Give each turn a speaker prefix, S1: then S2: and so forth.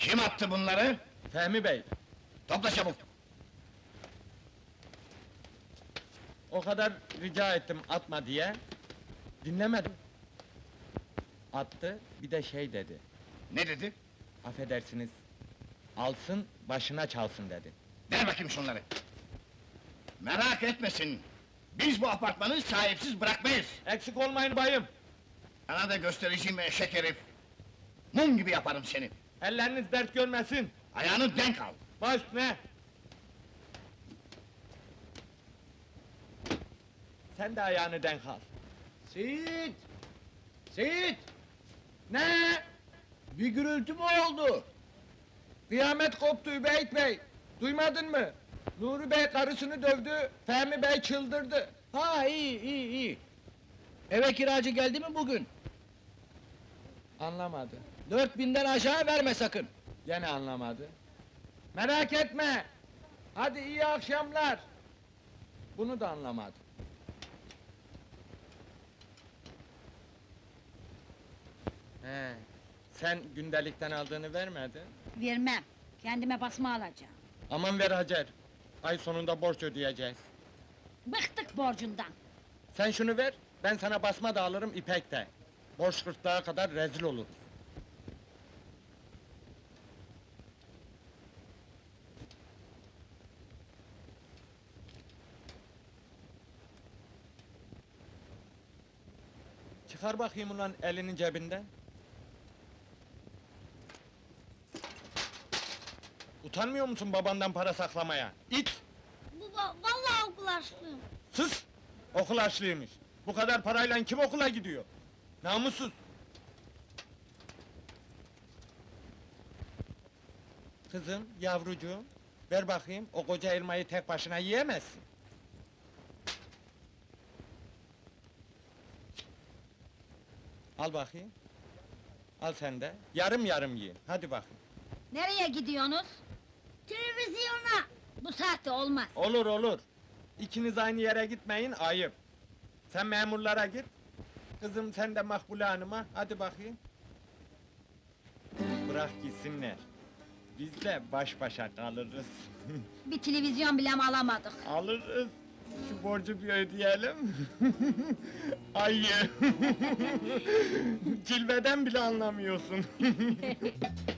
S1: Kim attı bunları?
S2: Fehmi Bey,
S1: Topla çabuk!
S2: o kadar rica ettim atma diye. Dinlemedim. Attı, bir de şey dedi.
S1: Ne dedi?
S2: Affedersiniz, alsın, başına çalsın dedi.
S1: Ver bakayım şunları! Merak etmesin! Biz bu apartmanı sahipsiz bırakmayız!
S2: Eksik olmayın bayım.
S1: Sana da göstereceğim eşek herif! Mum gibi yaparım seni!
S2: Elleriniz dert görmesin.
S1: Ayağını denk al!
S2: Baş ne? Sen de ayağını denk al.
S3: Seyit! Seyit!
S2: Ne?
S3: Bir gürültü mü oldu?
S2: Kıyamet koptu Übeyt Bey. Duymadın mı? Nuri Bey karısını dövdü, Fehmi Bey çıldırdı.
S3: Ha iyi. Eve kiracı geldi mi bugün?
S2: Anlamadı.
S3: 4000'den aşağı verme sakın.
S2: Gene anlamadı. Merak etme. Hadi iyi akşamlar. Bunu da anlamadı. He, sen gündelikten aldığını vermedin.
S4: Vermem. Kendime basma alacağım.
S2: Aman ver Hacer. Ay sonunda borç ödeyeceğiz.
S4: Bıktık borcundan.
S2: Sen şunu ver, ben sana basma da alırım ipek de. Borç gırtlağa kadar rezil oluruz. Çıkar bakayım ulan elinin cebinden. Utanmıyor musun babandan para saklamaya? İt!
S4: Baba, vallahi okul açlığım.
S2: Sus! Okul açlıymış. Bu kadar parayla kim okula gidiyor? Namussuz! Kızım, yavrucuğum, ver bakayım, o koca elmayı tek başına yiyemezsin. Al bakayım. Al sen de, yarım yarım yiyin, hadi bakayım.
S4: Nereye gidiyorsunuz? Televizyona. Bu saatte olmaz.
S2: Olur olur. İkiniz aynı yere gitmeyin, ayıp. Sen memurlara git. Kızım sen de Makbule Hanım'a, hadi bakayım. Bırak gitsinler. Biz de baş başa kalırız.
S4: Bir televizyon bile mi alamadık?
S2: Alırız. Şu borcu bir ödeyelim. Ayı! Cilveden bile anlamıyorsun.